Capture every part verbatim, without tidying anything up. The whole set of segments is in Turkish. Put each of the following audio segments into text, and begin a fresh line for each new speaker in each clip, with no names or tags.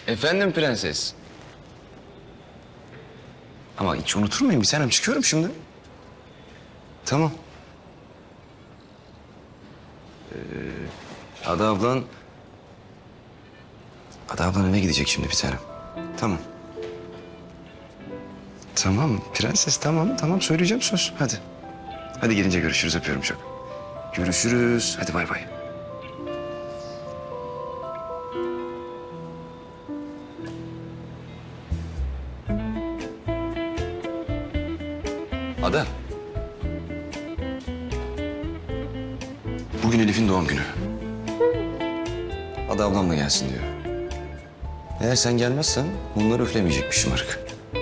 Efendim prenses. Ama hiç unutur Bir tanem çıkıyorum şimdi. Tamam. Ee, Ada ablan... Ada ablan eve gidecek şimdi bir tanem. Tamam. Tamam prenses tamam tamam söyleyeceğim söz hadi. Hadi gelince görüşürüz öpüyorum çok. Görüşürüz hadi bay bay. Ada. Bugün Elif'in doğum günü. Ada ablamla gelsin diyor. Eğer sen gelmezsen bunları üflemeyecekmiş şımarık.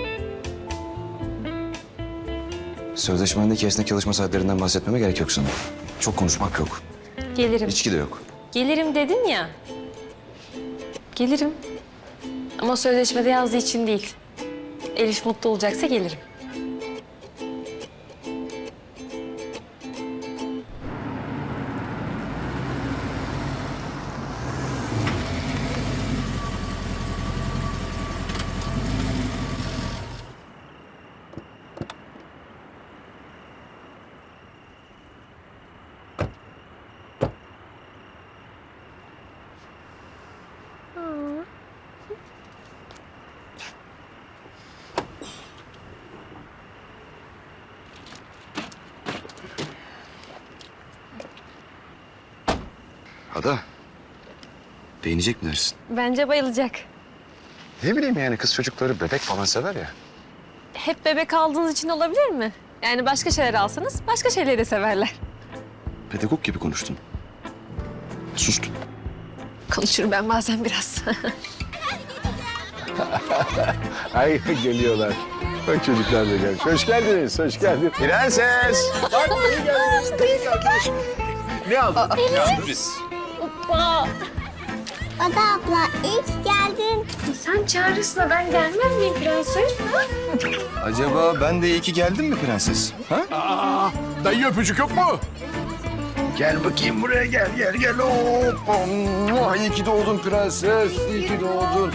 Sözleşmendeki esnek çalışma saatlerinden bahsetmeme gerek yok sana. Çok konuşmak yok.
Gelirim.
İçki de yok.
Gelirim dedin ya. Gelirim. Ama sözleşmede yazdığı için değil. Elif mutlu olacaksa gelirim.
Ada. Beğenecek mi dersin?
Bence bayılacak.
Ne bileyim yani kız çocukları bebek falan sever ya.
Hep bebek aldığınız için olabilir mi? Yani başka şeyler alsanız başka şeyleri de severler.
Pedagog gibi konuştun. Sustun.
Konuşurum ben bazen biraz.
Ay geliyorlar. Bak çocuklar da gelmiş. Hoş geldiniz, hoş geldiniz.
Prenses.
Bak iyi geldiniz. iyi geldiniz. Ne aldın?
Sürpriz.
Ada abla ilk geldin.
Sen çağırırsın ben gelmem miyim prenses?
Acaba ben de iyi ki geldim mi prenses? Ha?
Aa, dayı öpücük yok mu?
Gel bakayım buraya gel gel gel. Hoppa. İyi ki doğdun prenses. İyi ki doğdun.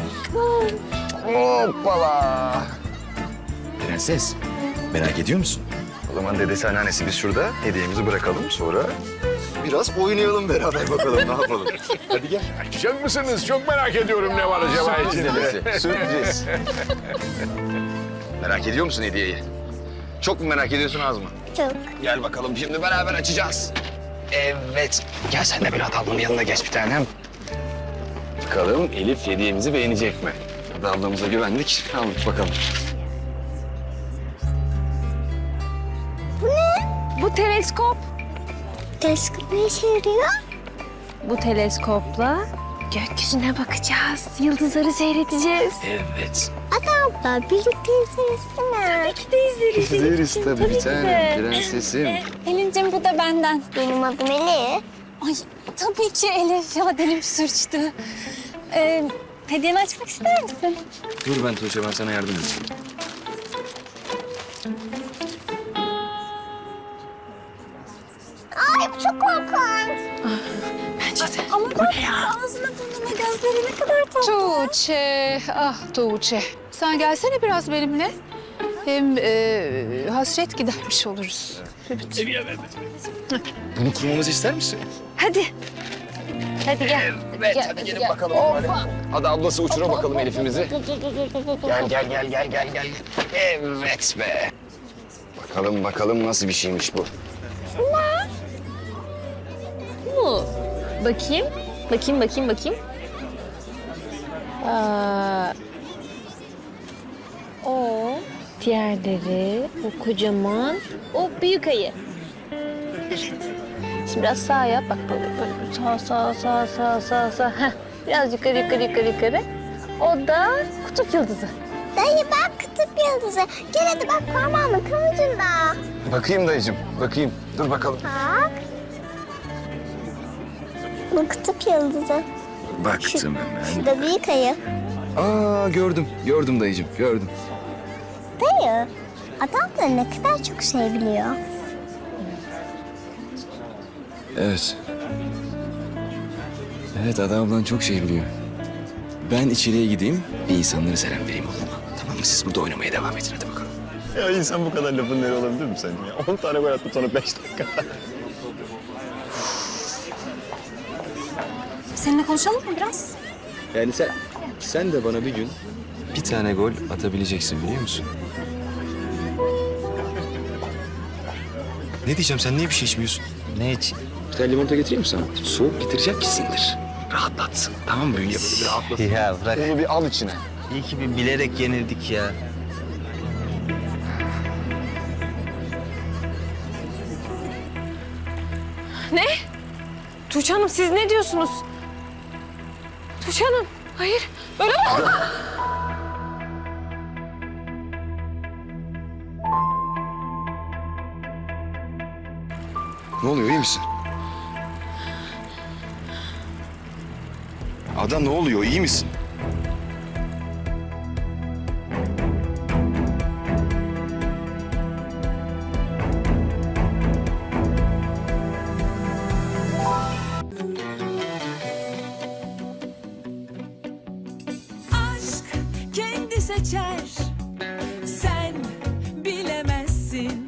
Hoppala. Prenses merak ediyor musun? O zaman dedesi anneannesi biz şurada hediyemizi bırakalım sonra biraz oynayalım beraber bakalım ne yapalım. Hadi gel.
Açacak mısınız? Çok merak ediyorum ne var acaba
Sürpriz
içinde.
dedesi, sürpriz. Merak ediyor musun hediyeyi? Çok mu merak ediyorsun az mı?
Çok.
Gel bakalım şimdi beraber açacağız. Evet. Gel sen de bir ablamın yanına geç bir tanem. Bakalım Elif hediyemizi beğenecek mi? Hadi ablamıza güvendik. Aldık bakalım.
Bu teleskop.
Teleskop ne işe yarıyor?
Bu teleskopla gökyüzüne bakacağız. Yıldızları seyredeceğiz.
Evet.
Ada abla birlikte izleriz değil mi?
Tabii ki de izleriz.
İzleriz tabii,
Tabii
bir
ki
tanem.
de.
Prensesim.
Pelin'cim bu da benden. Benim adım Elif.
Ay tabii ki Elif ya dilim sürçtü. Ee, hediyeni açmak ister misin?
Dur ben Tuğçe ben sana yardım edeyim.
Ay bu çok korkunç.
Bence de. Ama bu ne ya? Ağzına burnuna gözleri ne kadar tatlı.
Tuğçe, ah Tuğçe. Sen gelsene biraz benimle. Hem e, hasret gidermiş oluruz.
Bunu kurmamızı ister misin?
Hadi. Hadi gel.
Evet
Gel,
hadi gelin
gel.
bakalım. Hadi. Hadi ablası uçura bakalım Elif'imizi. Gel gel gel gel gel gel. Evet be. Bakalım bakalım nasıl bir şeymiş bu.
Bu. Bakayım. Bakayım, bakayım, bakayım. Aa, o. Diğerleri, o kocaman, o büyük ayı. Evet. Şimdi biraz sağa yap. Bak böyle, böyle sağ, sağ, sağ, sağ, sağ, sağ. Heh. Biraz yukarı, yukarı, yukarı, yukarı. O da kutup yıldızı.
Dayı bak kutup yıldızı. Gel hadi bak parmağımın kıvırcında.
Bakayım dayıcığım, bakayım. Dur bakalım.
Bak. Bu kutup yıldızı.
Baktım hemen.
Şu da büyük ayı.
Aa gördüm, gördüm dayıcığım, gördüm.
Dayı, adam da ne kadar çok şey biliyor.
Evet. Evet, Ada ablan çok şey biliyor. Ben içeriye gideyim, bir insanlara selam vereyim oğluma. Tamam mı? Siz burada oynamaya devam edin hadi bakalım.
Ya insan bu kadar lafın neri olabilir mi sence ya? On tane gol attı sonra beş dakika.
Seninle konuşalım mı biraz?
Yani sen, sen de bana bir gün bir tane gol atabileceksin biliyor musun? Ne diyeceğim, sen niye bir şey içmiyorsun?
Ne için?
Bir tane limonata getireyim mi sana? Soğuk getirecek ki sindir. Rahatlatsın. Tamam mı? Büyü yapalım, bir rahatlasın.
Ya bırak.
Bunu bir al içine.
İyi ki bir bilerek yenildik ya.
Ne? Tuğçe Hanım siz ne diyorsunuz? Tuğçe Hanım, hayır. Böyle mi?
Ne oluyor, iyi misin? Ada ne oluyor, iyi misin?
aşk kendi seçer. Sen bilemezsin.